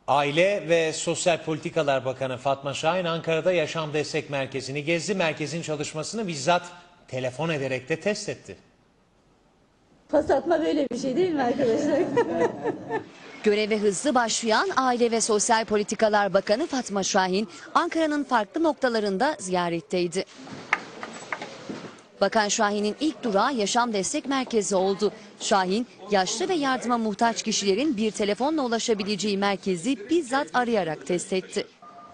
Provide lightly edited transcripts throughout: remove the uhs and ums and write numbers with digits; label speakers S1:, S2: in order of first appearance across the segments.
S1: Aile ve Sosyal Politikalar Bakanı Fatma Şahin Ankara'da Yaşam Destek Merkezi'ni gezdi. Merkezin çalışmasını bizzat telefon ederek de test etti.
S2: Pas atma böyle bir şey değil mi arkadaşlar?
S3: Göreve hızlı başlayan Aile ve Sosyal Politikalar Bakanı Fatma Şahin, Ankara'nın farklı noktalarında ziyaretteydi. Bakan Şahin'in ilk durağı Yaşam Destek Merkezi oldu. Şahin, yaşlı ve yardıma muhtaç kişilerin bir telefonla ulaşabileceği merkezi bizzat arayarak test etti.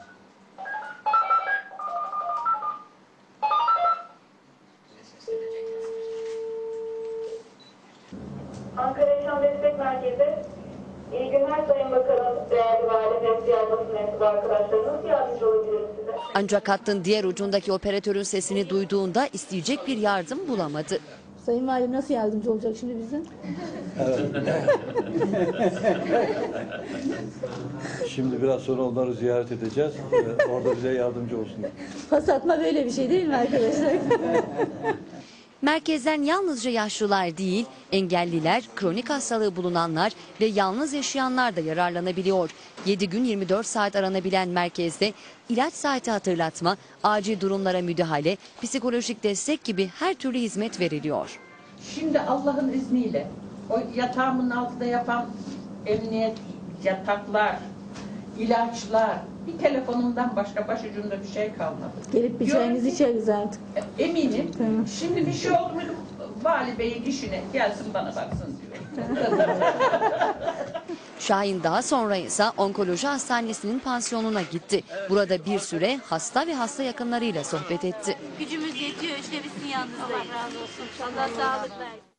S4: Ankara Yaşam Destek Merkezi. İyi günler Sayın Bakanım, değerli vali ve diğer basın mensubu arkadaşlar. Nasıl yardımcı olabilirim size?
S3: Ancak hattın diğer ucundaki operatörün sesini duyduğunda isteyecek bir yardım bulamadı.
S2: Sayın Valim nasıl yardımcı olacak şimdi bize?
S5: Şimdi biraz sonra onları ziyaret edeceğiz. Orada bize yardımcı olsun.
S2: Pas atma böyle bir şey değil mi arkadaşlar?
S3: Merkezden yalnızca yaşlılar değil, engelliler, kronik hastalığı bulunanlar ve yalnız yaşayanlar da yararlanabiliyor. 7 gün 24 saat aranabilen merkezde ilaç saati hatırlatma, acil durumlara müdahale, psikolojik destek gibi her türlü hizmet veriliyor.
S6: Şimdi Allah'ın izniyle o yatağımın altında yapan emniyet, yataklar, ilaçlar, bir telefonumdan başka başucumda bir şey kalmadı.
S2: Gelip bir çayınızı içeriz artık.
S6: Eminim.
S2: Tamam.
S6: Şimdi bir şey oldu mu vali beyin işine gelsin bana baksın diyor.
S3: Şahin daha sonra ise onkoloji hastanesinin pansiyonuna gitti. Burada bir süre hasta ve hasta yakınlarıyla sohbet etti.
S7: Gücümüz yetiyor işte, bizim yanınızdayız. Allah razı olsun. Allah sağlık versin.